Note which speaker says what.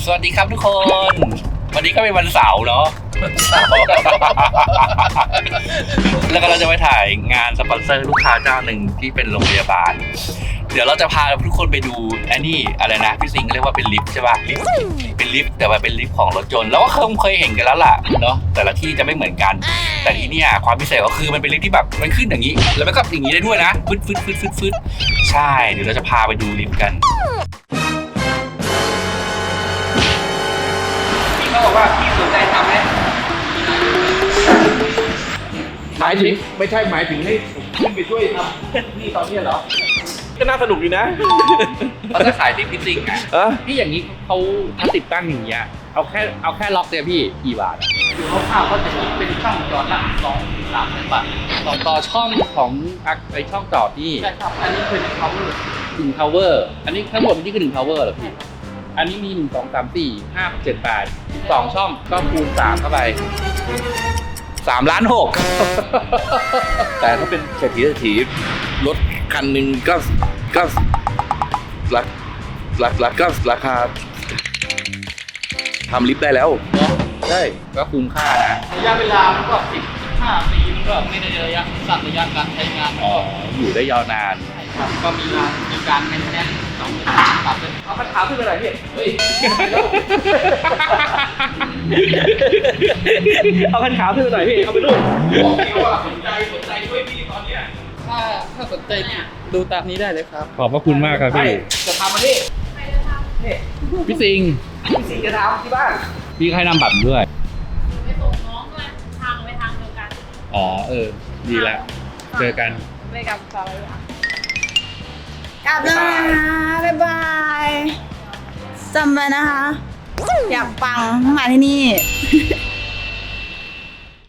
Speaker 1: สวัสดีครับทุกคน วันนี้ก็เป็นวันเสาร์เนาะแล้วก็เราจะไปถ่ายงานสปอนเซอร์ลูกค้าเจ้าหนึ่งที่เป็นโรงพยาบาล เดี๋ยวเราจะพาทุกคนไปดูอันนี้อะไรนะพี่สิงห์เรียกว่าเป็นลิฟต์ใช่ป่ะลิฟต์เป็นลิฟต์แต่ว่าเป็นลิฟต์ของรถยนต์แล้วก็เคยเห็นกันแล้วล่ะเนาะแต่ละที่จะไม่เหมือนกัน แต่ที่เนี่ยความพิเศษก็คือมันเป็นลิฟต์ที่แบบมันขึ้นอย่างนี้แล้วมันก็อย่างนี้ได้ด้วยนะฟึดใช่เดี๋ยวเราจะพาไปดูลิฟต์กันพี่เขาบอกว่าพี่สนใจทำไหม
Speaker 2: หมายถึงไม่ใช่หมายถึงให้ผมขึ้นไปช่วยทำนี่ตอนนี้เหรอก็น่าสนุกดีนะ
Speaker 1: เขาจะขายลิฟต์พี่สิงห์อ่ะพี่อย่างนี้เขาติดตั้งอย่างเงี้ยเอาแค่ล็อกเนี่ยพี่กี่บาทอยู่คร่าวๆเขาจะคิดเป็นช่องจอดละ2-3 บาทต่อช่องของไอช่องจอดนี่ใช่ครับอันนี้คือ1 power อันนี้ทั้งหมดนี่คือ1 power เหรอพี่อันนี้มี1 2 3 4 5 6 7 8 2ช่องก็คูณ3เข้าไป3.6 ล้าน
Speaker 2: แต่ถ้าเป็นเศรษฐีรถคันหนึ่งก็ราคาทำลิฟต์ได้แล้ว
Speaker 1: เนาะ
Speaker 2: ใช่
Speaker 1: ก็คุ้มค่านะระยะเวลามันก็10-15 ปีมันก็ไม่ได้ระยะสั้นระยะการใช้งานอยู่ได้ยาวนานใช่ครับก็มีการแมนเทนแนนซ์2 เดือนตัดเลยเอาปัญหาขึ้นไปหน่อยพี่เฮ้ย
Speaker 2: เอาคันขาวขึ้นหน่อยพี่เอาไปดู
Speaker 1: บอกพี่ว่าสนใจด้วยพี่ตอนเนี้ยถ้าสนใจดูตามนี้ได้เลยครับ
Speaker 2: ขอบพระคุณมากครับพี่
Speaker 1: จะทำมาพี่พี่สิงห์จะทำที่บ้านพี่ให้นำบัตรด้วย
Speaker 3: ไปส่งน้องด้วยทางไปทางเดียวกัน
Speaker 1: อ๋อดีแล้วเจอกัน
Speaker 3: ไปกับสาวเลยค่ะ
Speaker 4: กลับแล้วนะคะบ๊ายบายจำไว้นะคะ อยากปังมาที่นี่